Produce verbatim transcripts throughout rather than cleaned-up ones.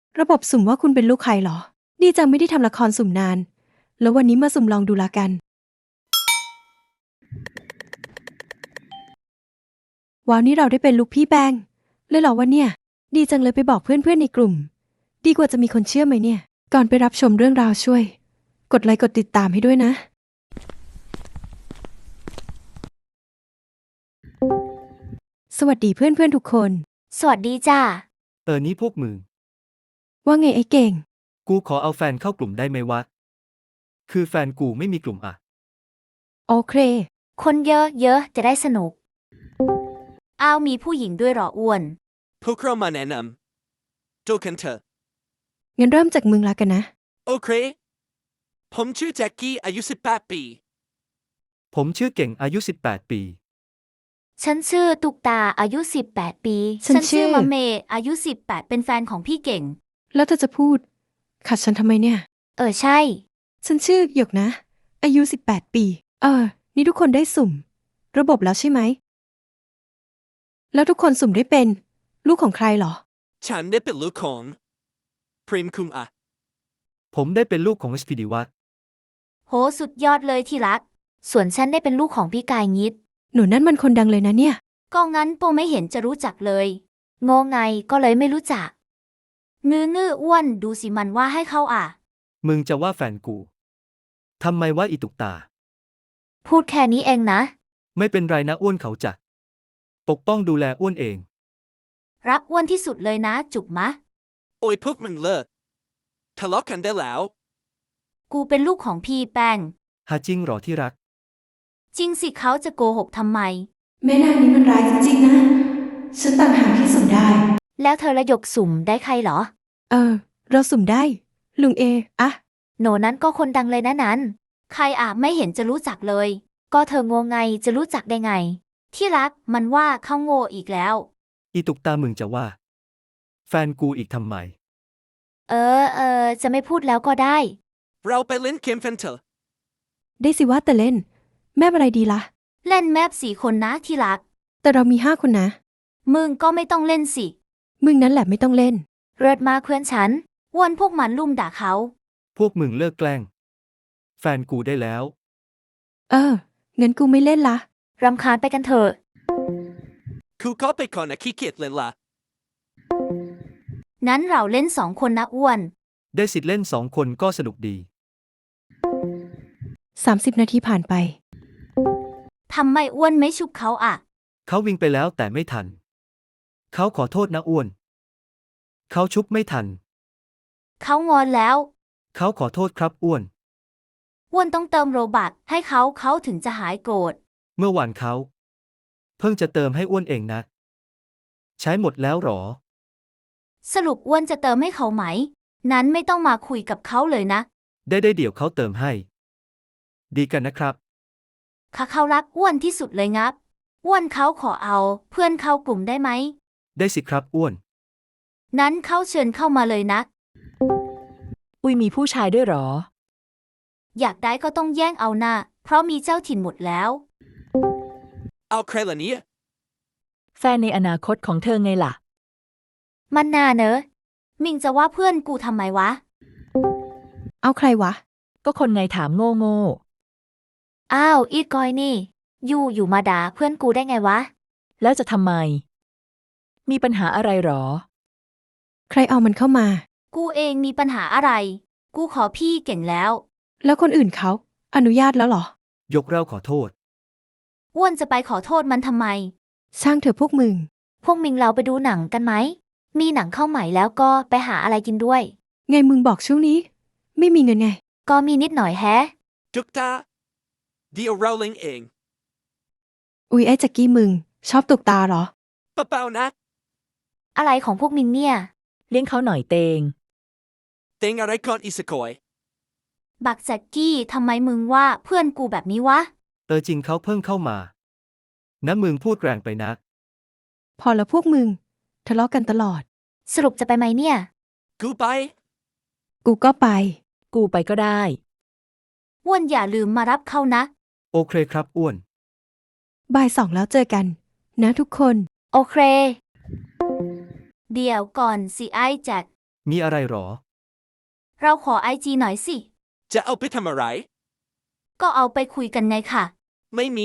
ระบบสุ่มว่าคุณเป็นลูกใครเหรอดีจังไม่ได้ทำละครสุ่มนานแล้ววันนี้มาสุ่มลองดูละกันว้าวนี่เราได้เป็นลูกพี่แป้งเลยเหรอวะเนี่ยดีจังเลยไปบอกเพื่อนๆในกลุ่มดีกว่าจะมีคนเชื่อไหมเนี่ยก่อนไปรับชมเรื่องราวช่วย กดไลค์กดติดตามให้ด้วยนะสวัสดีเพื่อนๆทุกคนสวัสดีจ้าเออนี่พวกมึงว่าไงไอ้เก่งกูขอเอาแฟนเข้ากลุ่มได้ไหมวะ คือแฟนกูไม่มีกลุ่มอ่ะโอเคคนเยอะๆจะได้สนุก อ้าวมีผู้หญิงด้วยเหรออ้วนพวกเรามาแนะนำดูกันเถอะงั้นเริ่มจากมึงละกันนะโอเค ผมชื่อแจ็คกี้อายุสิบแปดปีผมชื่อเก่งอายุสิบแปดปีฉันชื่อตุกตาอายุสิบแปดปีฉันชื่อมะเมอายุสิบแปดเป็นแฟนของพี่เก่งแล้วเธอจะพูดขัดฉันทำไมเนี่ยเออใช่ฉันชื่อหยกนะ อายุสิบแปดปี เออ นี่ทุกคนได้สุ่ม ระบบแล้วใช่ไหม แล้วทุกคนสุ่มได้เป็น ลูกของใครเหรอฉันได้เป็นลูกของพริมคุงอะผมได้เป็นลูกของสพีดีวัตโหสุดยอดเลยที่รัก ส่วนฉันได้เป็นลูกของพี่กายงิดหนูนั่นมันคนดังเลยนะเนี่ยก็งั้นโปไม่เห็นจะรู้จักเลยโงไงก็เลยไม่รู้จักงื้องื่ออ้วนดูสิมันว่าให้เขาอ่ะมึงจะว่าแฟนกู ทำไมว่าอีตุกตาพูดแค่นี้เองนะไม่เป็นไรนะอ้วนเขาจะปกป้องดูแลอ้วนเองรักอ้วนที่สุดเลยนะจุกมะโอ้ยพวกมึงเลิกทะเลาะกันได้แล้วกูเป็นลูกของพี่แป้งหาจริงหรอที่รักจริงสิเขาจะโกหกทำไมแม่นางนี้มันร้ายจริงๆนะ ฉันต่างหากที่สุ่มได้แล้วเธอระยกสุ่มได้ใครเหรอเออ เราสุ่มได้ ลุงเอ อะโหนนั้นก็คนดังเลยนะนั้น ใครอ่ะไม่เห็นจะรู้จักเลย ก็เธอโงไงจะรู้จักได้ไง ที่รักมันว่าเขาโง่อีกแล้วอีตุกตามึงจะว่า แฟนกูอีกทำไมเออเออจะไม่พูดแล้วก็ได้เราไปเล่นเกมกันเถอะได้สิว่าแต่เล่น แม่อะไรดีละ่ะเล่นแมปสี่คนนะที่รักแต่เรามีห้าคนนะมึงก็ไม่ต้องเล่นสิมึงนั้นแหละไม่ต้องเล่นเริดมาเพื่อนฉันอ้วนพวกมันลุ่มด่าเขาพวกมึงเลิกแกล้ง แฟนกูได้แล้วเออ งั้นกูไม่เล่นละรำคาญไปกันเถอะคูก็ไปก่อนนะขี้เกียจเล่นละนั้นเราเล่นสองคนนะอ้วนได้สิทธิ์เล่นสองคนก็สนุกดีสามสิบนาทีผ่านไปทำไมอ้วนไม่ชุบเขาอ่ะเขาวิ่งไปแล้วแต่ไม่ทัน เขาขอโทษนะอ้วน เขาชุบไม่ทันเขางอนแล้วเขาขอโทษครับอ้วนอ้วนต้องเติมโรบัตให้เขาเขาถึงจะหายโกรธเมื่อวานเขา เพิ่งจะเติมให้อ้วนเองนะ ใช้หมดแล้วหรอสรุปอ้วนจะเติมให้เขาไหม นั้นไม่ต้องมาคุยกับเขาเลยนะได้ได้เดี๋ยวเขาเติมให้ ดีกันนะครับข้าเขารักอ้วนที่สุดเลยงับ อ้วนเขาขอเอา เพื่อนเข้ากลุ่มได้ไหมได้สิครับอ้วนนั้นเขาเชิญเข้ามาเลยนะอุ้ยมีผู้ชายด้วยเหรออยากได้ก็ต้องแย่งเอาหน้า เพราะมีเจ้าถิ่นหมดแล้วเอาใครล่ะเนี่ยแฟนในอนาคตของเธอไงล่ะมันน่าเนอะ มิงจะว่าเพื่อนกูทำไมวะเอาใครวะก็คนไงถามโง่โง่อ้าวอีดกอยนี่ อยู่อยู่มาด่าเพื่อนกูได้ไงวะแล้วจะทำไม มีปัญหาอะไรหรอใครเอามันเข้ามากูเองมีปัญหาอะไร กูขอพี่เก่งแล้วแล้วคนอื่นเขา อนุญาตแล้วเหรอยกเราขอโทษอ้วนจะไปขอโทษมันทำไมช่างเถอะพวกมึงพวกมิงเราไปดูหนังกันไหม มีหนังเข้าใหม่แล้วก็ไปหาอะไรกินด้วยไงมึงบอกช่วงนี้ ไม่มีเงินไงก็มีนิดหน่อยแฮะจุกตาเดี๋ยวเราเล่นเองอุ๊ยไอ้แจ็กกี้มึง ชอบตุกตาเหรอเปล่าๆนะอะไรของพวกมิงเนี่ยเลี้ยงเขาหน่อยเตงเต็งอะไรก่อนอีสกอยบักแจ็กกี้ทำไมมึงว่าเพื่อนกูแบบนี้วะเออจริงเขาเพิ่งเข้ามา นะมึงพูดแรงไปนะพอแล้วพวกมึง ทะเลาะกันตลอดสรุปจะไปไหมเนี่ยกูไปกูก็ไปกูไปก็ได้อ้วนอย่าลืมมารับเขานะโอเคครับอ้วนบ่ายสองแล้วเจอกัน นะทุกคนโอเค เดี๋ยวก่อนสิไอ้แจ็คมีอะไรหรอเราขอไอจีหน่อยสิจะเอาไปทำอะไรก็เอาไปคุยกันไงค่ะไม่มี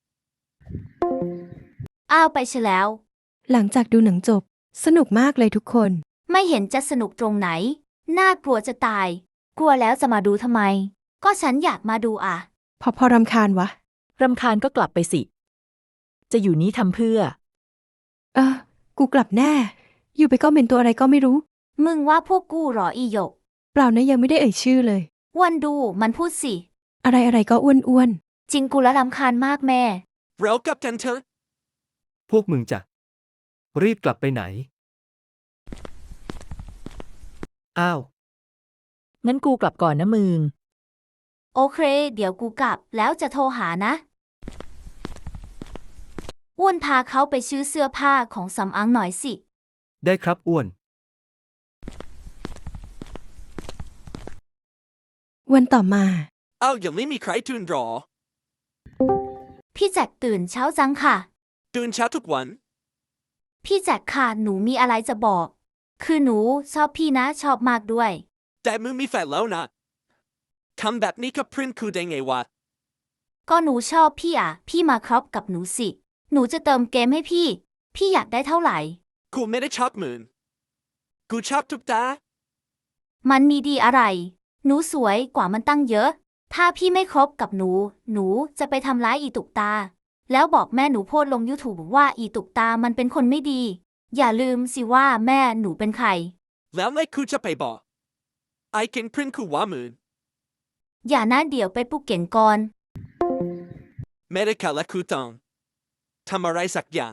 อ้าวไปซะแล้วหลังจากดูหนังจบ สนุกมากเลยทุกคนไม่เห็นจะสนุกตรงไหน น่ากลัวจะตาย กลัวแล้วจะมาดูทำไม ก็ฉันอยากมาดูอ่ะพอพอรำคาญวะรำคาญก็กลับไปสิ จะอยู่นี้ทำเพื่อเออ กูกลับแน่ อยู่ไปก็เป็นตัวอะไรก็ไม่รู้มึงว่าพวกกูเหรออีหยกเปล่านะยังไม่ได้เอ่ยชื่อเลยวันดูมันพูดสิอะไรอะไรก็อ้วนอ้วนจริงกูละรำคาญมากแม่เรากลับกันเถอะพวกมึงจะรีบกลับไปไหน อ้าวงั้นกูกลับก่อนนะมึงโอเค เดี๋ยวกูกลับแล้วจะโทรหานะ อ้วนพาเขาไปซื้อเสื้อผ้าของสำอางหน่อยสิได้ครับอ้วนวันต่อมาเอายังไม่มีใครตื่นหรอพี่แจ็คตื่นเช้าจังค่ะตื่นเช้าทุกวันพี่แจ็คค่ะหนูมีอะไรจะบอก คือหนูชอบพี่นะชอบมากด้วยแต่มึงมีแฟนแล้วนะทำแบบนี้กับเพื่อนกูได้ไงวะก็หนูชอบพี่อ่ะ พี่มาครบกับหนูสิ หนูจะเติมเกมให้พี่ พี่อยากได้เท่าไหร่กูไม่ได้ชอบมึง กูชอบทุกตามันมีดีอะไร หนูสวยกว่ามันตั้งเยอะ ถ้าพี่ไม่ครบกับหนู หนูจะไปทำร้ายอีตุกตา แล้วบอกแม่หนูโพสต์ลง YouTube ว่าอีตุกตามันเป็นคนไม่ดี อย่าลืมสิว่าแม่หนูเป็นใครแล้วไงกูจะไปบอกไอ้เก่งเพื่อนกูว่ามึงอย่านะเดี๋ยวไปปลุกเก่งก่อนไม่ได้ค่ะและกูต้องทำอะไรสักอย่าง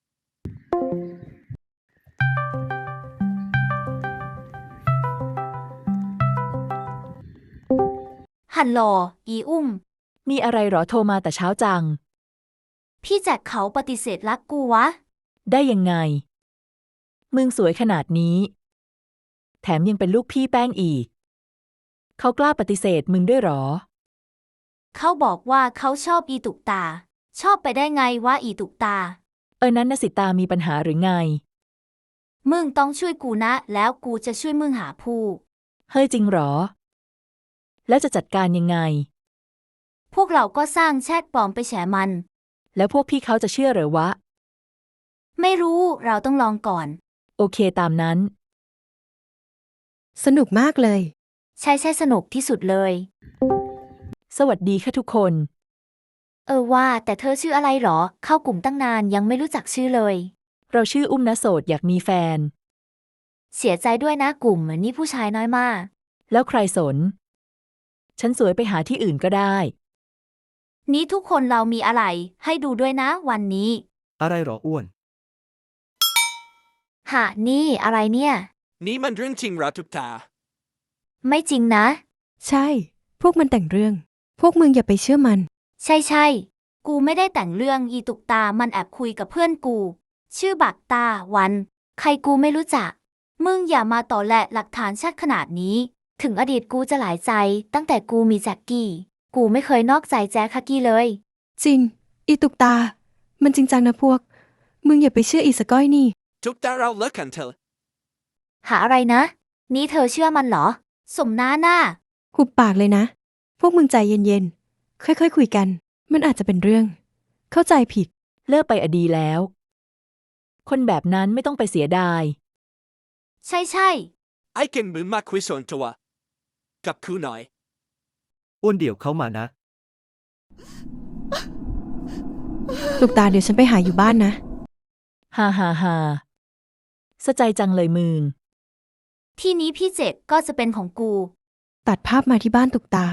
ฮัลโหลอีอุ้มมีอะไรหรอโทรมาแต่เช้าจังพี่แจ็คเขาปฏิเสธรักกูวะได้ยังไง มึงสวยขนาดนี้ แถมยังเป็นลูกพี่แป้งอีก เขากล้าปฏิเสธมึงด้วยหรอเขาบอกว่าเขาชอบอีตุกตา ชอบไปได้ไงว่าอีตุกตาเออนั้นนะสิตามีปัญหาหรือไงมึงต้องช่วยกูนะ แล้วกูจะช่วยมึงหาผู้เฮ้ยจริงหรอ แล้วจะจัดการยังไงพวกเราก็สร้างแชทปลอมไปแฉมันแล้วพวกพี่เขาจะเชื่อเหรอวะไม่รู้เราต้องลองก่อนโอเคตามนั้นสนุกมากเลยใช่ใช่สนุกที่สุดเลยสวัสดีค่ะทุกคนเออว่าแต่เธอชื่ออะไรหรอ เข้ากลุ่มตั้งนานยังไม่รู้จักชื่อเลยเราชื่ออุ้มนะโสดอยากมีแฟนเสียใจด้วยนะกลุ่มนี่ผู้ชายน้อยมากแล้วใครสน ฉันสวยไปหาที่อื่นก็ได้นี้ทุกคนเรามีอะไร ให้ดูด้วยนะวันนี้อะไรหรออ้วนหะนี่อะไรเนี่ยนี่มันเรื่องจริงเหราทุกตาไม่จริงนะใช่ พวกมันแต่งเรื่อง พวกมึงอย่าไปเชื่อมันใช่ใช่กูไม่ได้แต่งเรื่องอีตุกตามันแอบคุยกับเพื่อนกู ชื่อบักตาวัน ใครกูไม่รู้จัก มึงอย่ามาต่อแหละหลักฐานชัดขนาดนี้ ถึงอดีตกูจะหลายใจ ตั้งแต่กูมีแจ็คกี้ กูไม่เคยนอกใจแจ็คคักกี้เลยจริง อีตุกตา มันจริงจังนะพวก มึงอย่าไปเชื่ออีสก้อยนี่ทุกตาเราเลิกกันเถอะหาอะไรนะ นี่เธอเชื่อมันเหรอ สมน้าหน้าหุบปากเลยนะ พวกมึงใจเย็นๆ ค่อยๆคุยกัน มันอาจจะเป็นเรื่อง เข้าใจผิดเลิกไปอดีแล้ว คนแบบนั้นไม่ต้องไปเสียดายใช่ใช่ไอ้เก่งมึงมาคุยส่วนตัวกับกูหน่อยอ้วนเดี๋ยวเขามานะตุกตาเดี๋ยวฉันไปหาอยู่บ้านนะฮ่าฮ่าฮ่าสะใจจังเลยมึงที่นี้พี่เจ็กก็จะเป็นของกูตัดภาพมาที่บ้านตุกตา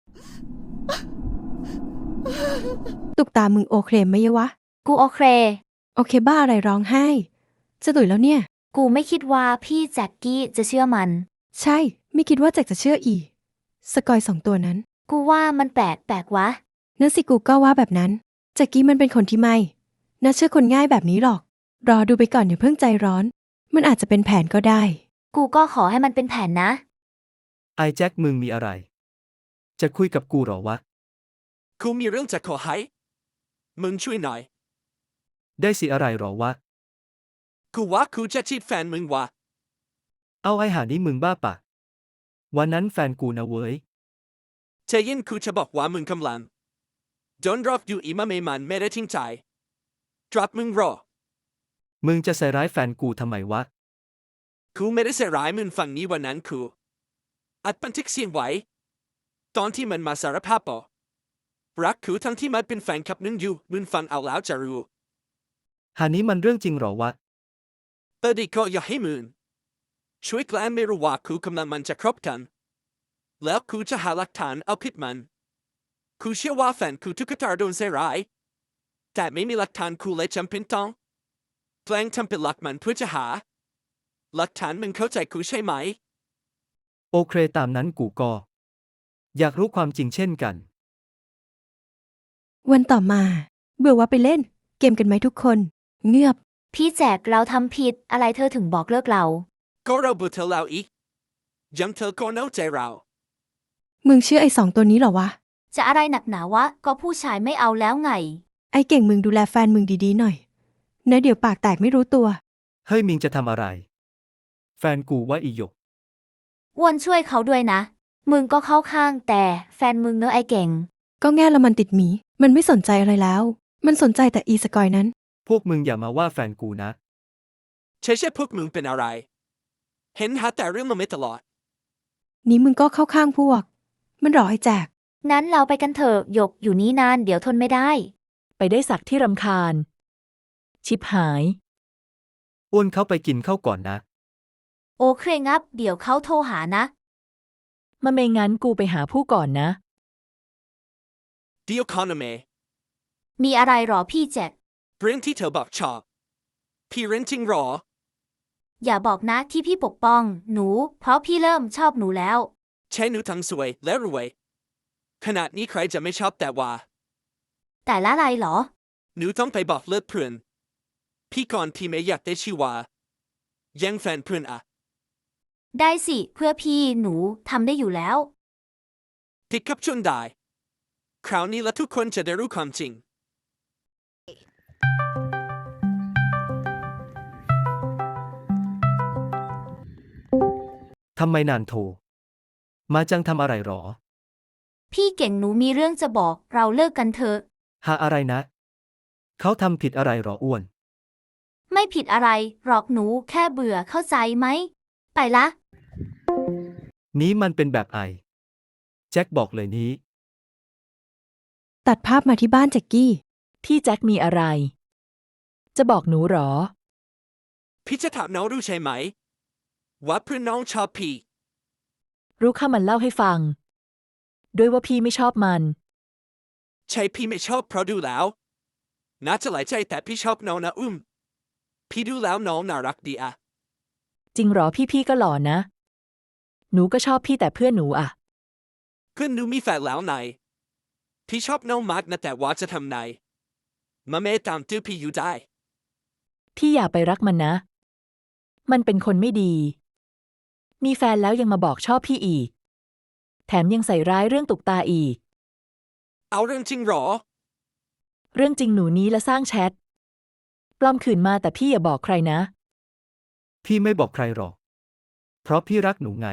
ตุกตามึงโอเคไหมยวะกูโอเคโอเคบ้าอะไรร้องไห้ จะตุ๋ยแล้วเนี่ยกูไม่คิดว่าพี่แจ็คกี้จะเชื่อมันใช่ ไม่คิดว่าแจ็คจะเชื่ออีสกอยสองตัวนั้นกูว่ามันแปลกแปลกวะนั่นสิกูก็ว่าแบบนั้นแจ็คกี้มันเป็นคนที่ไม่น่าเชื่อคนง่ายแบบนี้หรอก รอดูไปก่อนอย่าเพิ่งใจร้อน มันอาจจะเป็นแผนก็ได้กูก็ขอให้มันเป็นแผนนะไอ้แจ็คมึงมีอะไร จะคุยกับกูเหรอวะกูมีเรื่องจะขอให้ มึงช่วยหน่อยได้สิอะไรเหรอวะกูว่ากูจะจีบแฟนมึงว่ะเอาไอ้หานี้มึงบ้าปะวันนั้นแฟนกูนะเว้ยเจยินกูจะบอกว่ามึงกำลังโดนรอบอยู่อีมาเมมันไม่ได้ทิ้งใจดรอปมึงรอมึงจะใส่ร้ายแฟนกูทำไมวะกูไม่ได้ใส่ร้ายมึงฝั่งนี้วันนั้นกูอัดบันทึกเสียงไว้ตอนที่มันมาสารภาพปอรักกูทั้งที่มันเป็นแฟนคลับนึงอยู่มึงฟังเอาแล้วจะรู้หานี้มันเรื่องจริงเหรอวะเออดีก็อย่าให้มึงช่วยแกล้งไม่รู้ว่ากูกำลังมันจะครบกันแล้วกูจะหาหลักฐานเอาผิดมันกูเชื่อว่าแฟนกูทุกตาโดนใส่ร้ายแต่ไม่มีหลักฐานกูเลยจำเป็นต้องแกล้งทำเป็นหลักมันเพื่อจะหาหลักฐานมึงเข้าใจกูใช่ไหมโอเคตามนั้นกูก็ อยากรู้ความจริงเช่นกันวันต่อมา เบื่อว่าไปเล่น เกมกันไหมทุกคน เงือบพี่แจกเราทำผิดอะไรเธอถึงบอกเลิกเราก็เราบุเธอแล้วอีกยังเธอก็เน่าใจเรามึงเชื่อไอ้สองตัวนี้เหรอวะจะอะไรหนักหนาวะก็ผู้ชายไม่เอาแล้วไงไอ้เก่งมึงดูแลแฟนมึงดีๆหน่อยนะเดี๋ยวปากแตกไม่รู้ตัวเฮ้ยมิงจะทำอะไร แฟนกูว่าอีหยกอ้วนช่วยเขาด้วยนะ มึงก็เข้าข้างแต่แฟนมึงเนอะไอเก่งก็แง่ละมันติดหมี มันไม่สนใจอะไรแล้ว มันสนใจแต่อีสกอยนั้นพวกมึงอย่ามาว่าแฟนกูนะใช่ใช่พวกมึงเป็นอะไร เห็นหาแต่เรื่องมาไม่ตลอดนี้มึงก็เข้าข้างพวก มันรอให้แจกนั้นเราไปกันเถอะหยกอยู่นี้นานเดี๋ยวทนไม่ได้ไปได้สักที่รำคาญ ชิบหายอ้วนเขาไปกินข้าวก่อนนะโอเคงับเดี๋ยวเขาโทรหานะมาไม่งั้นกูไปหาผู้ก่อนนะเดียวคอนเมมีอะไรหรอพี่แจ็คเรื่องที่เธอบอกชอบ พี่เรนจริงหรออย่าบอกนะที่พี่ปกป้อง หนู เพราะพี่เริ่มชอบหนูแล้วใช่หนูทั้งสวยและรวย ขนาดนี้ใครจะไม่ชอบแต่ว่าแต่ละอะไรหรอหนูต้องไปบอกเลิกเพื่อน พี่ก่อนพี่ไม่อยากได้ชื่อว่าแย่งแฟนเพื่อนอะได้สิเพื่อพี่หนูทำได้อยู่แล้วติดกับชนได้ คราวนี้ละทุกคนจะได้รู้ความจริงทำไมนานโทร มาจังทำอะไรหรอพี่เก่งหนูมีเรื่องจะบอกเราเลิกกันเถอะหาอะไรนะ เขาทำผิดอะไรหรออ้วนไม่ผิดอะไรหรอกหนูแค่เบื่อเข้าใจไหม ไปละนี้มันเป็นแบบไอ แจ็คบอกเลยนี้ตัดภาพมาที่บ้านแจ็กกี้พี่แจ็คมีอะไร จะบอกหนูหรอพี่จะถามน้องรู้ใช่ไหม ว่าเพื่อนน้องชอบพี่รู้ข้ามันเล่าให้ฟัง ด้วยว่าพี่ไม่ชอบมันใช่พี่ไม่ชอบเพราะดูแล้ว น่าจะหลายใจแต่พี่ชอบน้องนะอุ้ม พี่ดูแล้วน้องน่ารักดีอะจริงหรอพี่พี่ก็หล่อนะ หนูก็ชอบพี่แต่เพื่อนหนูอะเพื่อนหนูมีแฟนแล้วไงพี่ชอบน้องมากนะแต่ว่าจะทำไงมาเมตามตื้อพี่อยู่ได้พี่อย่าไปรักมันนะ มันเป็นคนไม่ดี มีแฟนแล้วยังมาบอกชอบพี่อีก แถมยังใส่ร้ายเรื่องตุกตาอีกเอาเรื่องจริงหรอเรื่องจริงหนูนี้และสร้างแชท ปลอมขืนมาแต่พี่อย่าบอกใครนะพี่ไม่บอกใครหรอก เพราะพี่รักหนูไง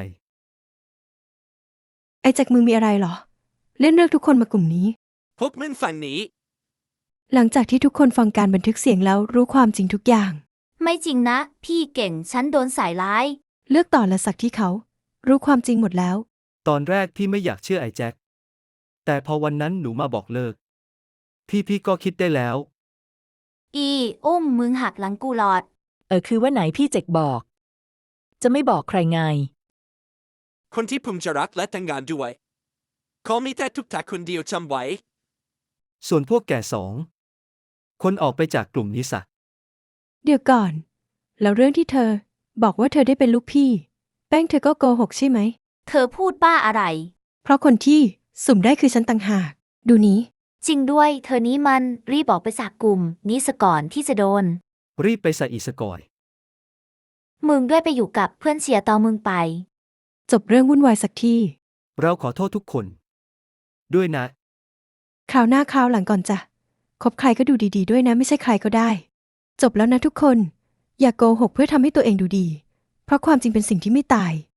ไอ้แจ็คมึงมีอะไรเหรอ เล่นเลือกทุกคนมากลุ่มนี้พวกมึงฝั่งนี้หลังจากที่ทุกคนฟังการบันทึกเสียงแล้วรู้ความจริงทุกอย่างไม่จริงนะ พี่เก่งฉันโดนใส่ร้ายเลือกต่อและสักที่เขา รู้ความจริงหมดแล้วตอนแรกพี่ไม่อยากเชื่อไอ้แจ็ค แต่พอวันนั้นหนูมาบอกเลิก พี่พี่ก็คิดได้แล้วอีอุ้มมึงหักหลังกูหลอดเออคือว่าไหนพี่เจ็กบอก จะไม่บอกใครไงคนที่ผมจะรักและแต่งงานด้วยเขามีแต่ทุกทาคนเดียวจำไว้ส่วนพวกแก่สอง คนออกไปจากกลุ่มนี้ซะเดี๋ยวก่อน แล้วเรื่องที่เธอ บอกว่าเธอได้เป็นลูกพี่ แป้งเธอก็โกหกใช่ไหมเธอพูดบ้าอะไรเพราะคนที่สุ่มได้คือฉันต่างหาก ดูนี้จริงด้วย เธอนี้มันรีบออกไปจากกลุ่มนี้ซะก่อนที่จะโดนรีบไปใส่อีสกอยมึงด้วยไปอยู่กับเพื่อนเสียต่อมึงไปจบเรื่องวุ่นวายสักทีเราขอโทษทุกคน ด้วยนะคราวหน้าคราวหลังก่อนจ้ะคบใครก็ดูดีๆด้วยนะไม่ใช่ใครก็ได้ จบแล้วนะทุกคน อย่าโกหกเพื่อทำให้ตัวเองดูดีเพราะความจริงเป็นสิ่งที่ไม่ตาย